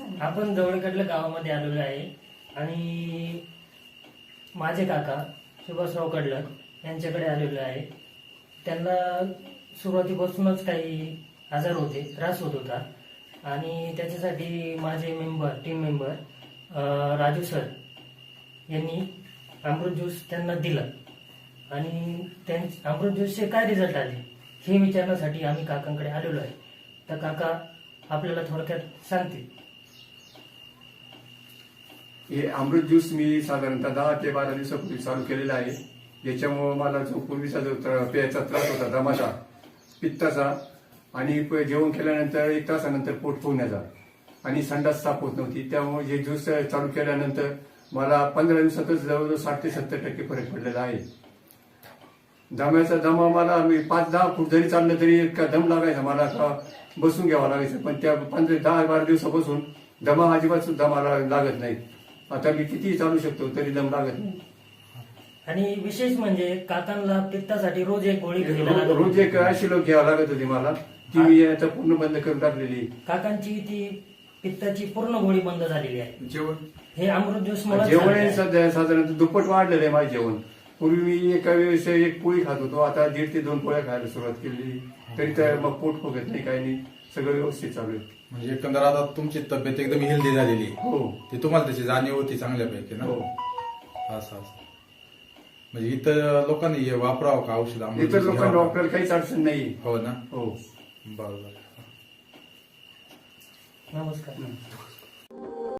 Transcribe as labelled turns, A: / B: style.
A: आपण जवळकडल्या गावामध्ये आलेलो आहे आणि माझे काका सुभाषराव कडलक यांच्याकडे आलेलो आहे. त्यांना सुरुवातीपासूनच काही आजार होते, त्रास होत होता आणि त्याच्यासाठी माझे टीम मेंबर राजू सर यांनी अमृत ज्यूस त्यांना दिलं आणि अमृत ज्यूसचे काय रिझल्ट आले हे विचारण्यासाठी आम्ही काकांकडे आलेलो आहे. तर काका आपल्याला थोडक्यात सांगतील.
B: हे अमृत ज्यूस मी साधारणतः 10 ते 12 दिवसापूर्वी चालू केलेला आहे. याच्यामुळे मला जो पूर्वीचा जो प्यायचा त्रास होता, दमाचा, पित्ताचा आणि जेवण केल्यानंतर 1 तासानंतर पोट फुगण्याचा आणि संडास साफ होत नव्हती, त्यामुळे हे ज्यूस चालू केल्यानंतर मला 15 दिवसातच जवळजवळ 60 ते 70% फरक पडलेला आहे. दमा मला मी 5-10 फूट जरी चाललं तरी इतका दम लागायचा, मला बसून घ्यावा लागायचं. पण त्या 10-12 दिवसापासून दमा अजिबात सुद्धा मला लागत नाही. आता मी कितीही चालू शकतो तरी दम लागत नाही.
A: आणि विशेष म्हणजे काकांना पित्तासाठी रोज एक गोळी घ्यायला लागत होती.
B: रोज एक ऍसिलो घ्यावं लागत होती मला, ती मी आता पूर्ण बंद करून टाकलेली.
A: काकांची ती पित्ताची पूर्ण गोळी बंद झालेली आहे.
B: जेवण
A: हे अमृत ज्यूस
B: जेवण सध्या साधारणतः दुप्पट वाढलेलं आहे माझे जेवण. पूर्वी मी एका वेळेस 1 पोळी खात होतो, आता 1.5 ते 2 पोळ्या खायला सुरुवात केली. तरी तर मग पोट फुगत नाही, काही नाही, सगळं व्यवस्थित चालू आहे.
C: म्हणजे एकंदर आता तुमची तब्येत एकदम हेल्दी झालेली आहे.
B: हो,
C: ते तुम्हाला त्याची जाणीव होती चांगल्यापैकी ना.
B: हो.
C: असं म्हणजे इतर लोकांनी हे वापरावं का औषध?
B: इतर लोकांना वापरायला काहीच अडचण नाही.
C: हो ना.
B: हो,
C: बरोबर.
A: नमस्कार.